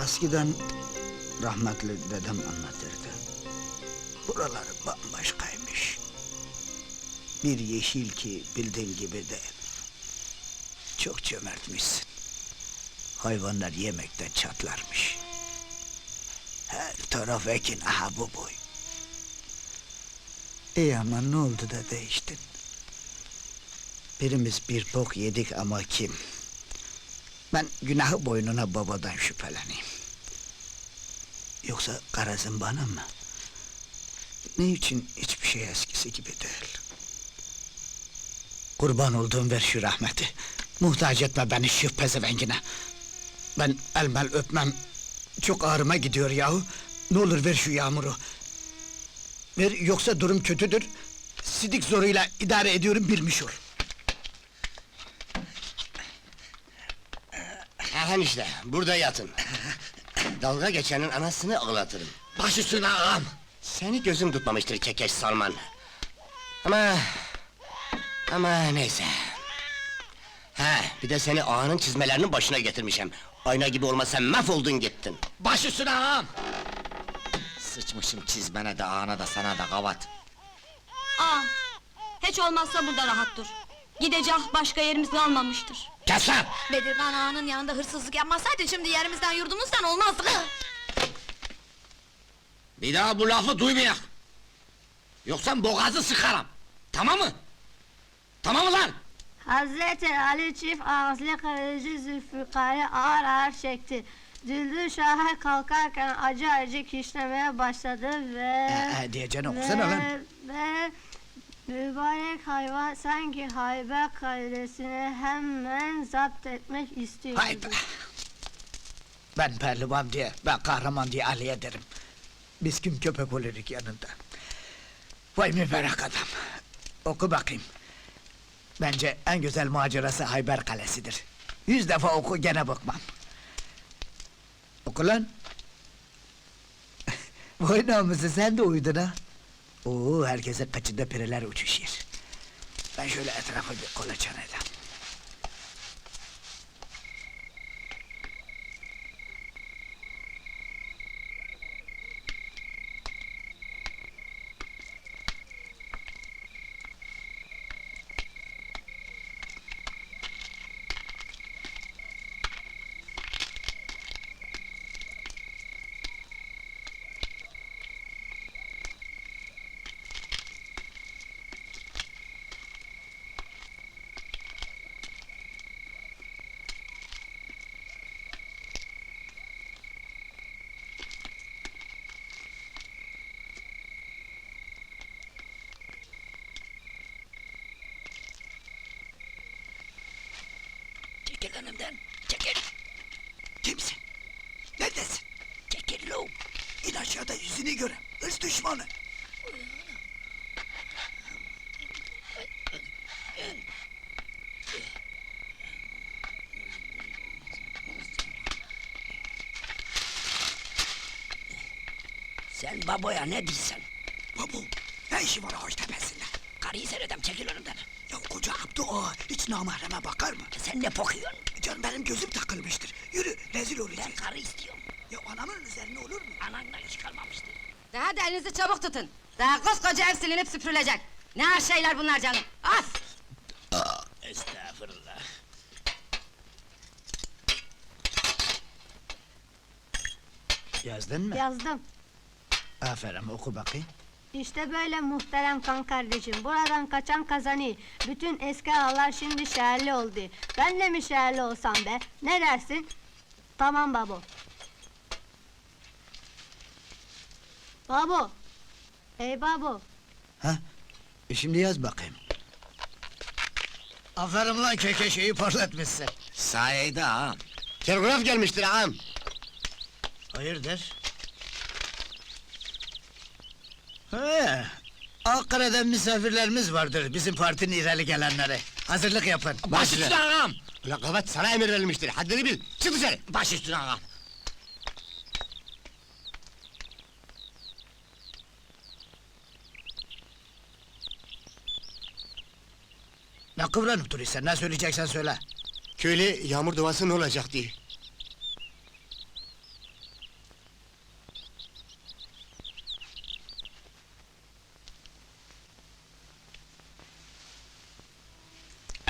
Eskiden rahmetli dedem anlatırdı. Buralar bambaşkaymış. Bir yeşil ki bildiğin gibi değil. Çok cömertmişsin. Hayvanlar yemekten çatlarmış. Her taraf ekin, aha bu boy. İyi ama ne oldu da değiştin? Birimiz bir bok yedik ama kim? Ben günahı boynuna babadan şüpheleneyim. Yoksa garazın bana mı? Ne için hiçbir şey eskisi gibi değil? Kurban olduğum ver şu rahmeti. Muhtaç etme beni şu pezevengine. Ben elmel öpmem. Çok ağrıma gidiyor yahu. Ne olur ver şu yağmuru. Ver yoksa durum kötüdür. Sidik zoruyla idare ediyorum bilmiş ol. Aha işte, burada yatın. Dalga geçenin anasını ağlatırım. Baş üstüne ağam! Seni gözüm tutmamıştır Kekeş Salman. Ama neyse. Ha, bir de seni ağanın çizmelerinin başına getirmişim. Ayna gibi olmasa mahvoldun gittin. Baş üstüne ağam! Sıçmışım çizmene de ağana da sana da kavat. Aa, hiç olmazsa burada rahat dur. Gidecek başka yerimiz kalmamıştır. Kes lan! Bedirgan ağanın yanında hırsızlık yapmasaydın şimdi yerimizden yurdumuzdan olmazdık. Bir daha bu lafı duymayak! Yoksa boğazı sıkarım! Tamam mı? Tamam mı lan? Hazreti Ali çift ağızlı kılıcı Zülfikar'ı ağır ağır çekti. Düldül Şah'a kalkarken acı acı kişnemeye başladı ve... Diyeceğini okusana lan. Ve mübarek hayvan sanki Hayber kalesini hemen zapt etmek istiyordu. Hay be! Ben pehlivan diye, ben kahraman diye Ali'ye derim. Biz kim köpek oluruk yanında. Vay mübarek adam! Oku bakayım. Bence en güzel macerası Hayber Kalesi'dir. 100 defa oku gene bıkmam. Oku lan! Vay namusu sen de uyudun ha! Oo, herkese kaçında pireler uçuşuyor. Ben şöyle etrafa bir kolaçan edeyim. Çekil önümden, çekil! Kimsin? Neredesin? Çekil lo! İn aşağıda yüzünü görem, hırs düşmanı! Sen baboya ne diyorsun? Babu, ne işi var ağaç tepesinde? Karıyı seyredem, çekil önümden! Ya koca Abdü ağa, hiç namahreme bakar mı? Sen ne bakıyorsun? Canım benim gözüm takılmıştır, yürü, rezil olacağız! Ben karı istiyorum! Ya anamın üzerine olur mu? Anandan hiç kalmamıştı! Daha da elinizi çabuk tutun. Daha koskoca ev silinip süpürülecek. Ne her şeyler bunlar canım. Af! Estağfurullah! Yazdın mı? Yazdım. Aferin, oku bakayım. İşte böyle muhterem kan kardeşim, buradan kaçan kazanıyor. Bütün eski ağalar şimdi şehirli oldu. Ben de mi şehirli olsam be? Ne dersin? Tamam babo. Babo! Ey babo! Ha? Şimdi yaz bakayım. Aferin lan kekeşeyi parlatmışsın. Sayede ağam! Telgraf gelmiştir ağam. Hayırdır? He, Ankara'dan misafirlerimiz vardır, bizim partinin ileri gelenleri. Hazırlık yapın. Baş üstüne ağam! Ulan kavat sana emir verilmiştir, haddini bil, çık dışarı! Baş üstüne ağam! Ne kıvranıp duruyorsun, ne söyleyeceksen söyle. Köylü yağmur duası ne olacak diye.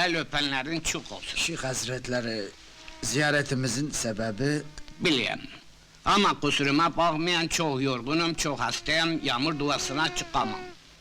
El öpenlerin çok olsun. Şeyh Hazretleri, ziyaretimizin sebebi... Biliyorum. Ama kusuruma bakmayan çok yorgunum, çok hastayım, yağmur duasına çıkamam.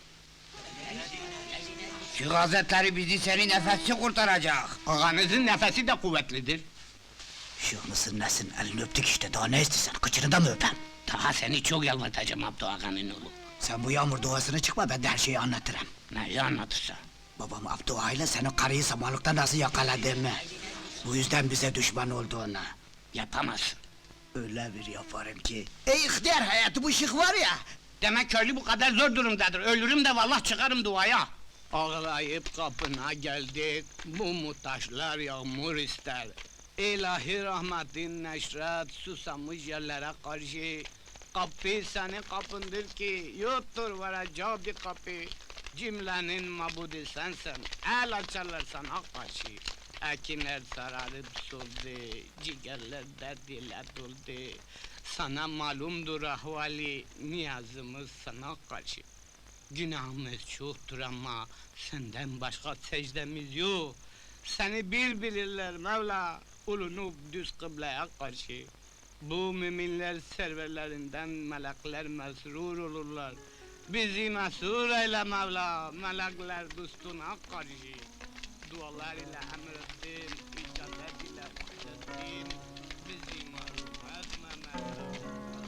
Şu gazetleri bizi senin nefesi kurtaracak. Ağanızın nefesi de kuvvetlidir. Şeyh mısın nesin, elini öptük işte, daha ne istiyorsun, kıçını da mı öpem? Daha seni çok yalvatacağım Abdü Ağa'nın oğlu. Sen bu yağmur duasına çıkma, ben de her şeyi anlatırım. Neyi anlatırsa? Babam Abdü Ağa ile senin karıyı samanlıkta nasıl yakaladığını... ...bu yüzden bize düşman olduğunu... Yapamazsın. ...öyle bir yaparım ki... Ey ihtiyar hayatı bu şık var ya... Demek köylü bu kadar zor durumdadır, ölürüm de vallahi çıkarım duaya. Ağlayıp kapına geldik, bu muhtaçlar yağmur ister. İlahi rahmetin neşret, susamış yerlere karşı. Kapı senin kapındır ki, yoktur varacağı bir kapı. Cümlenin mabudi sensin, el açarlar sana karşı. Ekinler sararıp soldu, ciğerler dert ile doldu. Sana malumdur ahvali, niyazımız sana karşı. Günahımız çoktur ama senden başka secdemiz yok. Seni bilirler Mevla, ulunup düz kıbleye karşı. Bu müminler serverlerinden melekler mesrur olurlar. Bizi mesrur eyle Mevla, melekler dostuna karşı. Dualar ile emrettin, icabet ile bahsettin. Bizi mahrum etme Mevla.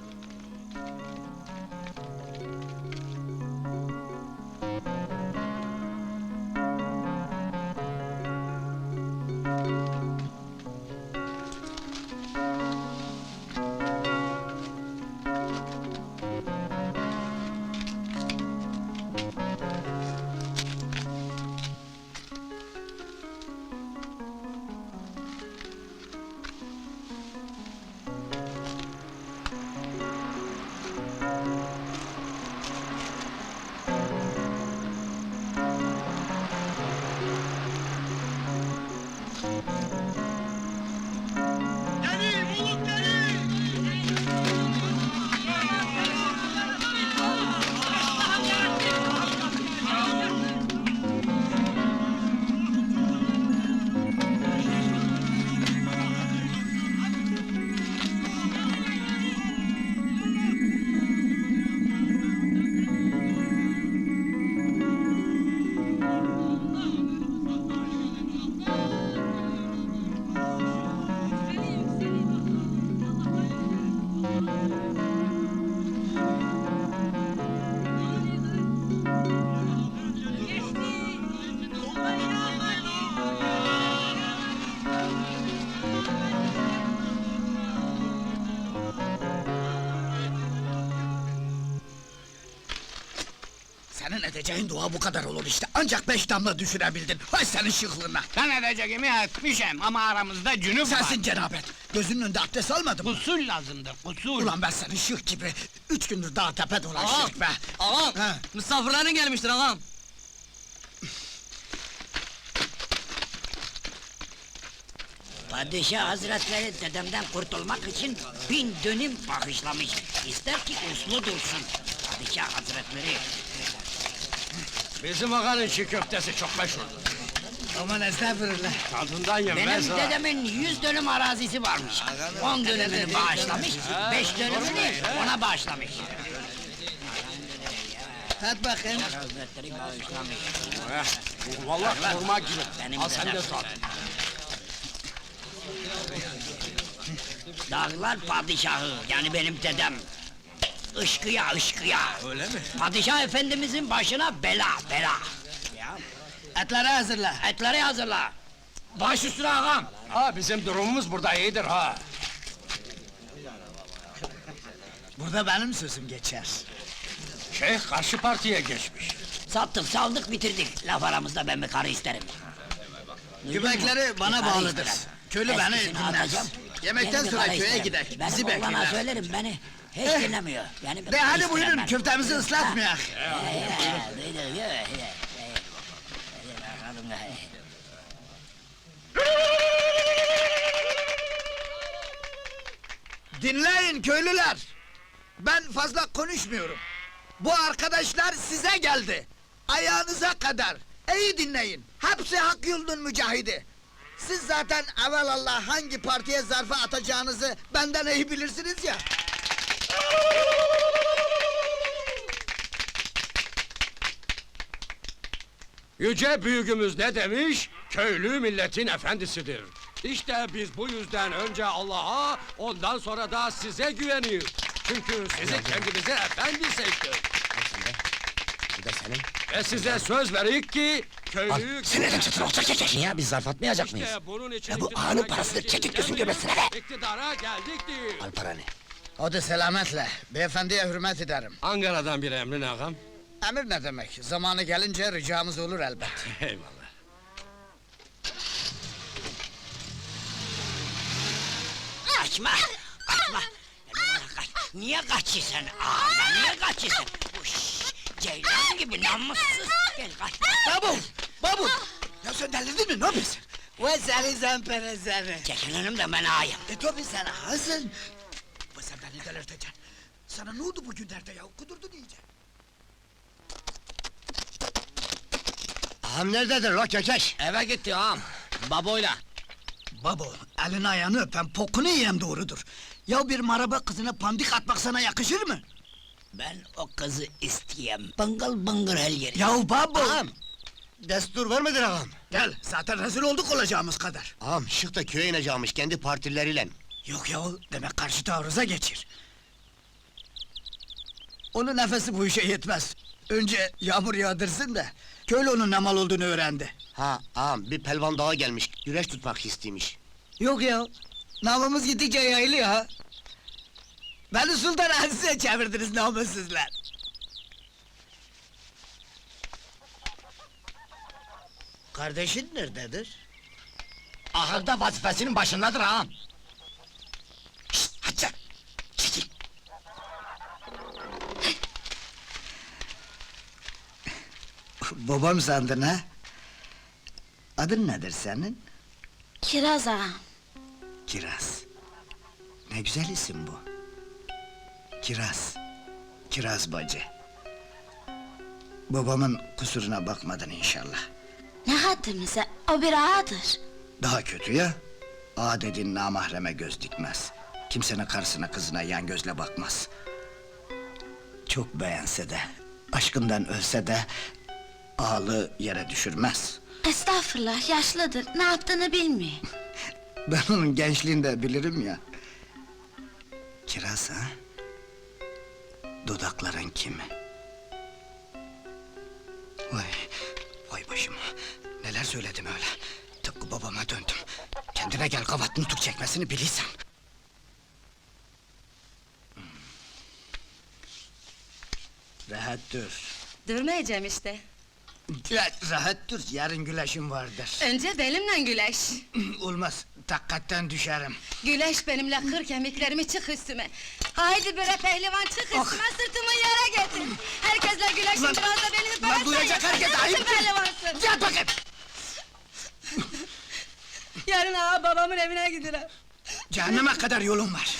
Senin edeceğin dua bu kadar olur işte, ancak 5 damla düşürebildin, hay senin şıklığına! Ben edeceğimi etmişim ama aramızda cünüp var. Sensin cenabet, gözünün önünde abdest almadın mı? Usul lazımdır, usul. Ulan ben senin şık gibi, 3 gündür dağ tepe dolaştık be! Ağam, He. misafirlerin gelmiştir ağam. Padişah Hazretleri dedemden kurtulmak için 1000 dönüm bağışlamış. İster ki uslu dursun. Padişah Hazretleri. Bizim ağanın çiğ köftesi çok meşhurdur. Aman estağfurullah! Tadından Benim yenmez ha. dedemin 100 dönüm arazisi varmış. 10 dönümünü bağışlamış, 5 dönümünü ona bağışlamış. Tat bakayım! Hazretleri bağışlamış. Vallahi kurma gibi. Benim Al sen de dedem. tat. Dağlar padişahı, yani benim dedem. Işkıya, ışkıya. Öyle mi? Padişah efendimizin başına bela, bela. Ya, Etleri hazırla! etleri hazırla. Baş üstüne ağam. Ha bizim durumumuz burada iyidir ha. Burada benim sözüm geçer. Şeyh karşı partiye geçmiş. Sattık, saldık, bitirdik. Laf aramızda ben bir karı isterim. Duydun mu? Göbekleri bana Bir karı bağlıdır. isterim. Köylü beni Eskisini dinler. atacağım, Yemekten yeni bir sonra karı köye isterim. gider, Benim bizi oğlana bekler. söylerim, beni hiç dinlemiyor. Yani bir De karı hadi isterim buyurun, ben. köftemizi ıslatmayak! Duydun, yürü. Dinleyin köylüler! Ben fazla konuşmuyorum. Bu arkadaşlar size geldi. Ayağınıza kadar. İyi dinleyin, hepsi hak yolunun mücahidi. Siz zaten evelallah hangi partiye zarfı atacağınızı benden iyi bilirsiniz ya. Yüce büyüğümüz ne demiş? Köylü milletin efendisidir. İşte biz bu yüzden önce Allah'a, ondan sonra da size güveniyoruz. Çünkü sizi kendimize efendi seçtik. Al sen de. Bu da senin. Ve size söz verik ki köylü... Sinirden çıtır olacak çekil ya, biz zarf atmayacak mıyız? İşte bunun için Ya bu iktidara ağanın parasıdır, geleceğiz çekik gözün demeyiz. göbesine be! İktidara geldik değil. Al paranı. Hadi selametle, beyefendiye hürmet ederim. Ankara'dan bir emrin ağam. Emir ne demek, zamanı gelince ricamız olur elbet. Eyvallah. Kaçma! Kaçma! Kaç! Niye kaçıyorsun? Ağabey, niye kaçıyorsun? Uş, ceylan gibi namussuz! Gel kaç! Babu! Babu! Ya sen delirdin mi, ne yapıyorsun? Ve seni zempere seni! Çekil önümden ben ağayım! Tabii sen ağasın! Ve sen beni delirteceksin! Sana ne oldu bugünlerde ya, kudurdun iyice! Ağam nerededir la kekeş? Eve gitti ağam! Baboyla! Babo, elini ayağını öpen pokunu yiyem doğrudur. Ya bir maraba kızına pandik atmak sana yakışır mı? Ben o kızı isteyem! Bıngıl bıngır her yeri! Ya babo! Ağam! Destur vermedin ağam. Gel, zaten rezil olduk olacağımız kadar. Ağam şık da köye ineceğimiş kendi partileriyle. Yok ya, demek karşı taarruza geçir. Onun nefesi bu işe yetmez. Önce yağmur yağdırsın da, köylü onun ne mal olduğunu öğrendi. Ha ağam bir pelvan daha gelmiş, güreş tutmak istiymiş. Yok ya, namımız gittikçe yayılıyor ha. Beni Sultan Aziz'e çevirdiniz namussuzlar. Kardeşin nerededir? Ahırda vazifesinin başındadır ağam! Şşt, hadi çekil! Babam sandın ha? Adın nedir senin? Kiraz ağa. Kiraz. Ne güzel isim bu. Kiraz. Kiraz bacı. Babamın kusuruna bakmadın inşallah. Ne haddimize, o bir ağadır. Daha kötü ya. Ağa dediğin namahreme göz dikmez. Kimsenin karısına kızına yan gözle bakmaz. Çok beğense de, aşkından ölse de... ...ağalığı yere düşürmez. Estağfurullah, yaşlıdır, ne yaptığını bilmiyor. Ben onun gençliğinde bilirim ya. Kiraz ha? Dudakların kimi? Vay, vay başıma. Neler söyledim öyle. Tıpkı babama döndüm. Kendine gel, kavat nutuk çekmesini bilirsen. Rahat dur. Durmayacağım işte. Rahat dur, yarın güleşim vardır. Önce benimle güleş. Olmaz, takkatten düşerim. Güleş benimle kır kemiklerimi çık üstüme. Haydi bre pehlivan çık üstüme, sırtımı yere getir. Herkesle güleşin, Lan- biraz da beni lan duyacak herkes, ayıp! pehlivansın. Yat bakayım! Yarın ağa babamın evine giderim. Cehenneme kadar yolun var.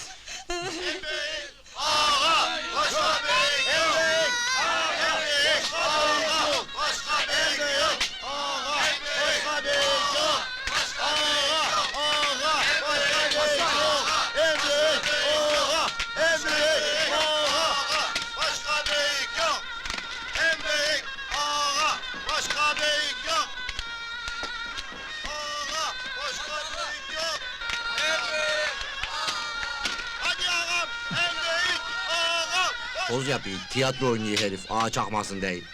Poz yapıyor, tiyatro oynuyor herif, ağa çakmasın değil.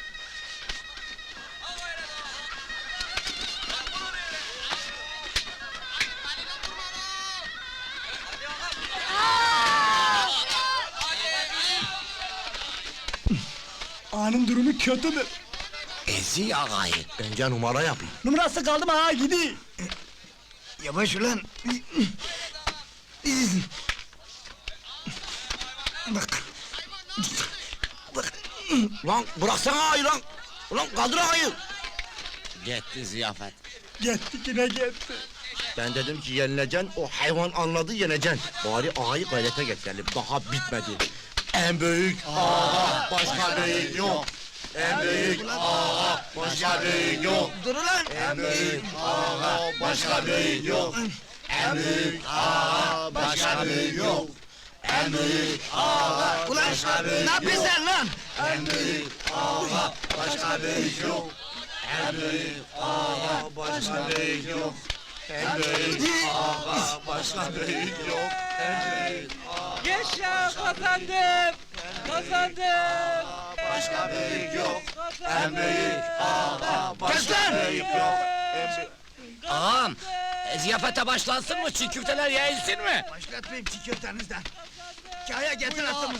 Ağanın durumu kötüdür. Ezi ağayı. Bence numara yapıyor. Numarası kaldı mı ağa gidi. Yavaş ulan. Bak. Bak. Lan bıraksana ağayı lan! Ulan kaldır ağayı! Gitti ziyafet. Gitti yine gitti. Ben dedim ki yenileceksin, o hayvan anladı yeneceksin. Bari ağayı gayrete getirelim, daha bitmedi. En büyük ağa, başka büyük yok. En büyük ağa, başka büyük yok. Dur ulan! En büyük ağa, başka büyük yok. En büyük ağa, başka büyük yok. En büyük ağa, Ulan ne yapıyorsun sen lan? en büyük ağa, başka büyük yok. En büyük ağa, başka büyük yok. En büyük ağa, başka büyük yok. En büyük Yaşa kazandım! Kazandım! başka büyük yok. En büyük ağa, başka büyük yok. En büyük... Ağam, ziyafete başlansın mı? Çiğ köfteler yayılsın mı? Başlatmayayım çiğ köftenizden. Kaya getir atımı.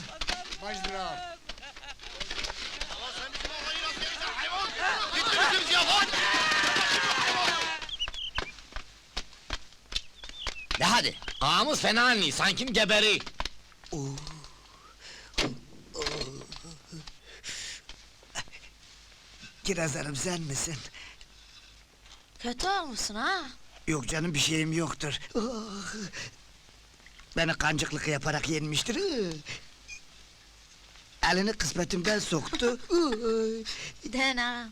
De hadi, ağamız fena anlıyor, sanki geberi. Kirazlarım sen misin? Kötü olmuşsun ha? Yok canım bir şeyim yoktur. Ah! Beni kancıklık yaparak yenmiştir. Elini kısmetimden soktu. Dena.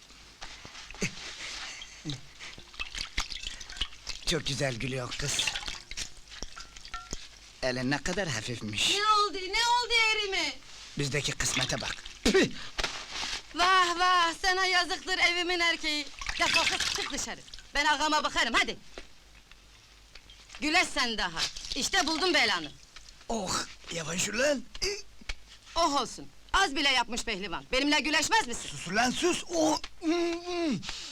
Çok güzel gülüyor kız. Elin ne kadar hafifmiş. Ne oldu yerime? Bizdeki kısmete bak. Vah vah, sana yazıktır evimin erkeği. Defol kız, çık dışarı. Ben ağama bakarım, hadi. Güleş sen daha. İşte buldum belanı. Oh yavaş ulan. Oh olsun. Az bile yapmış pehlivan. Benimle güleşmez misin? Sus ulan sus. Oh.